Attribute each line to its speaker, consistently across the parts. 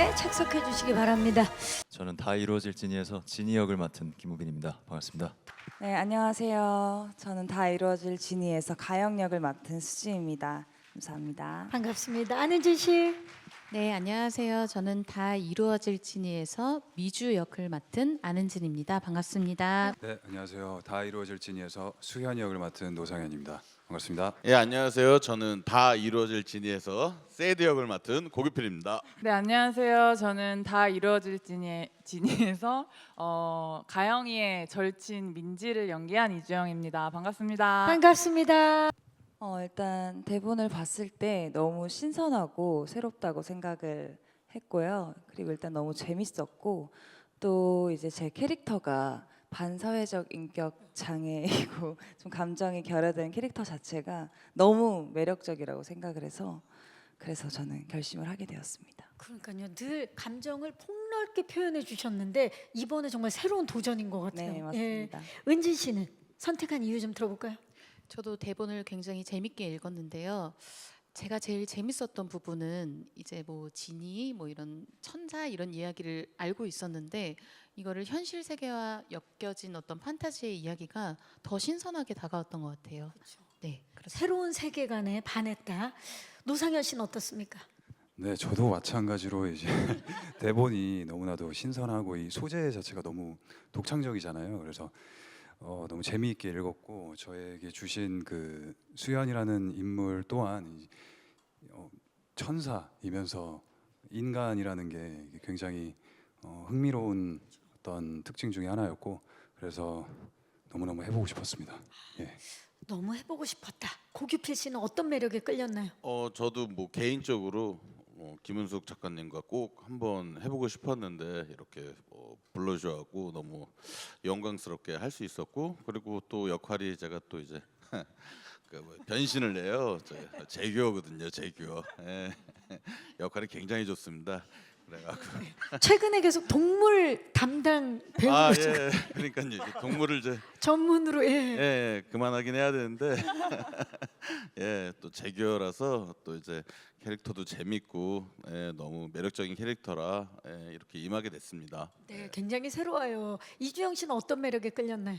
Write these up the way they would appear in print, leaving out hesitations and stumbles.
Speaker 1: 자리에 착석해 주시기 바랍니다.
Speaker 2: 저는 다 이루어질 지니에서 지니 역을 맡은 김우빈입니다. 반갑습니다.
Speaker 3: 네, 안녕하세요. 저는 다 이루어질 지니에서 가영 역을 맡은 수지입니다. 감사합니다.
Speaker 1: 반갑습니다. 안은진 씨.
Speaker 4: 네, 안녕하세요. 저는 다 이루어질 지니에서 미주 역을 맡은 안은진입니다. 반갑습니다.
Speaker 5: 네, 안녕하세요. 다 이루어질 지니에서 수현 역을 맡은 노상현입니다. 반갑습니다.
Speaker 6: 예, 안녕하세요. 저는 다 이루어질 지니에서 세드 역을 맡은 고규필입니다.
Speaker 7: 네, 안녕하세요. 저는 다 이루어질 지니에서 가영이의 절친 민지를 연기한 이주영입니다. 반갑습니다.
Speaker 1: 반갑습니다.
Speaker 3: 일단 대본을 봤을 때 너무 신선하고 새롭다고 생각을 했고요. 그리고 일단 너무 재밌었고 또 이제 제 캐릭터가 반사회적 인격 장애이고 좀 감정이 결여된 캐릭터 자체가 너무 매력적이라고 생각을 해서 그래서 저는 결심을 하게 되었습니다.
Speaker 1: 그러니까요. 늘 감정을 폭넓게 표현해 주셨는데 이번에 정말 새로운 도전인 것 같아요.
Speaker 3: 네, 맞습니다.
Speaker 1: 은진 씨는 선택한 이유 좀 들어볼까요?
Speaker 4: 저도 대본을 굉장히 재밌게 읽었는데요. 제가 제일 재밌었던 부분은 이제 뭐 지니 뭐 이런 천사 이런 이야기를 알고 있었는데 이거를 현실 세계와 엮여진 어떤 판타지의 이야기가 더 신선하게 다가왔던 것 같아요. 네, 그렇습니다.
Speaker 1: 새로운 세계관에 반했다. 노상현 씨는 어떻습니까?
Speaker 5: 네, 저도 마찬가지로 이제 대본이 너무나도 신선하고 이 소재 자체가 너무 독창적이잖아요. 그래서 너무 재미있게 읽었고 저에게 주신 그 수현이라는 인물 또한 천사이면서 인간이라는 게 굉장히 흥미로운 어떤 특징 중에 하나였고 그래서 너무너무 해보고 싶었습니다. 예.
Speaker 1: 너무 해보고 싶었다. 고규필 씨는 어떤 매력에 끌렸나요?
Speaker 6: 저도 뭐 개인적으로 김은숙 작가님과 꼭 한번 해보고 싶었는데 이렇게 불러주셔갖고 너무 영광스럽게 할 수 있었고 그리고 또 역할이 제가 또 이제 그 변신을 해요. 재규어거든요, 재규어. 예. 역할이 굉장히 좋습니다. 그래갖고
Speaker 1: 최근에 계속 동물 담당 배우로
Speaker 6: 예. 그러니까요, 이제 동물을 이제
Speaker 1: 전문으로
Speaker 6: 그만하긴 해야 되는데 예, 또 재규어라서 또 이제 캐릭터도 재밌고 너무 매력적인 캐릭터라 이렇게 임하게 됐습니다.
Speaker 1: 네, 굉장히 새로워요. 이주영 씨는 어떤 매력에 끌렸나요?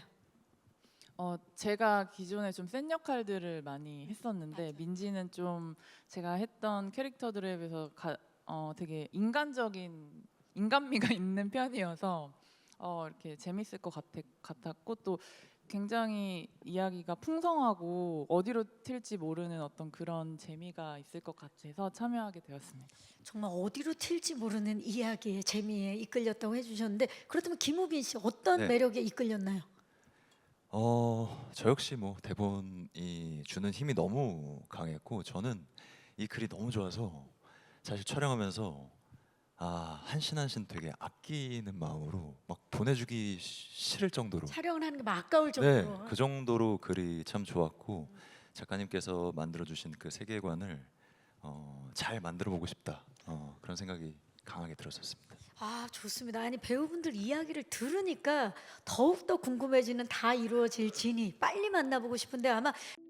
Speaker 7: 제가 기존에 좀 센 역할들을 많이 했었는데 민지는 좀 제가 했던 캐릭터들에 비해서 되게 인간미가 있는 편이어서 이렇게 재밌을 것 같았고 또 굉장히 이야기가 풍성하고 어디로 튈지 모르는 어떤 그런 재미가 있을 것 같아서 참여하게 되었습니다.
Speaker 1: 정말 어디로 튈지 모르는 이야기의 재미에 이끌렸다고 해주셨는데 그렇다면 김우빈 씨 어떤
Speaker 2: 네.
Speaker 1: 매력에 이끌렸나요?
Speaker 2: 저 역시 뭐 대본이 주는 힘이 너무 강했고 저는 이 글이 너무 좋아서 사실 촬영하면서 한 신 한 신 되게 아끼는 마음으로 막 보내주기 싫을 정도로
Speaker 1: 촬영을 하는 게 막 아까울
Speaker 2: 네,
Speaker 1: 정도로.
Speaker 2: 그 정도로 글이 참 좋았고 작가님께서 만들어주신 그 세계관을 잘 만들어보고 싶다 그런 생각이 강하게 들었었습니다.
Speaker 1: 좋습니다. 아니 배우분들 이야기를 들으니까 더욱더 궁금해지는 다 이루어질 지니 빨리 만나보고 싶은데 아마